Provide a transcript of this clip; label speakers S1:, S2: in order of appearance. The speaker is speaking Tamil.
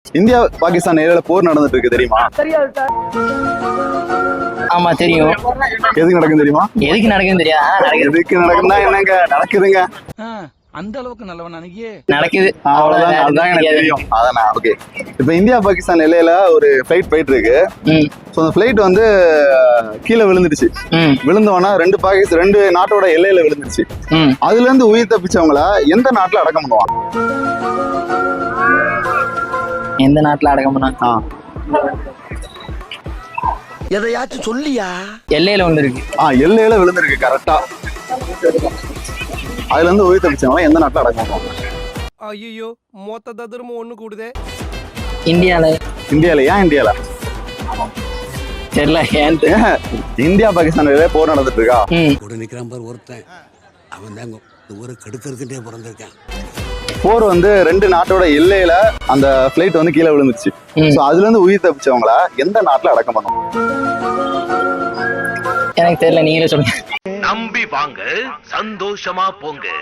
S1: இந்தியா பாகிஸ்தான் எல்லையில போர் நடந்துட்டு இருக்கு தெரியுமா?
S2: ஆமா தெரியும்.
S1: எதுக்கு நடக்கும் தெரியுமா?
S2: எதுக்கு நடக்குன்னு தெரியாது.
S1: எதுக்கு நடக்குதுன்னா என்னங்க நடக்குதுங்க.
S3: அந்த அளவுக்கு நல்லவன் அன்னைக்கு
S2: நடக்குது.
S1: அவ்வளவுதான், அதுதான் எனக்கு தெரியும். அதானே. ஓகே, இப்ப இந்தியா பாகிஸ்தான் எல்லையில ஒரு ஃபிளைட் போயிட்டு இருக்கு. ஸோ அந்த ஃபிளைட் வந்து கீழே விழுந்துடுச்சு. விழுந்தோன்னா ரெண்டு நாட்டோட எல்லையில விழுந்துருச்சு. அதுல இருந்து உயிர் தப்பிச்சவங்கள எந்த நாட்டுல அடக்கம் பண்ணுவாங்க?
S2: எந்த நாட்டுல அடக்கம் பண்ணா?
S3: எதையாச்சும் சொல்லியா?
S2: எல்லையில ஒண்ணு இருக்கு.
S1: எல்லையில விழுந்திருக்கு கரெக்டா. அதுல இருந்து உயிர் தப்பிச்சவங்கள எந்த நாட்டுல அடக்கம் பண்ணுவாங்க?
S3: ஐயோ, மொத்த ததுரமும் ஒண்ணு கூடுதே.
S2: இந்தியால.
S1: இந்தியால? ஏன் இந்தியால?
S2: தெரியல ஏன்.
S1: இந்தியா பாகிஸ்தான் எல்லையில போர் நடந்துட்டு இருக்கா?
S4: கூட நிக்கிறான் பாரு ஒருத்தன், அவன் தாங்க ஊரை கெடுக்கிறதுக்கே பிறந்திருக்கான்.
S1: போர் வந்து ரெண்டு நாட்டோட எல்லையில அந்த பிளைட் வந்து கீழே விழுந்துச்சு. சோ அதுல இருந்து உயிர் தப்பிச்சவங்கள எந்த நாட்டுல அடக்கம் பண்ணுவோம்?
S2: எனக்கு தெரியல, நீங்களே சொல்லுங்க.
S5: நம்பி வாங்க, சந்தோஷமா போங்க.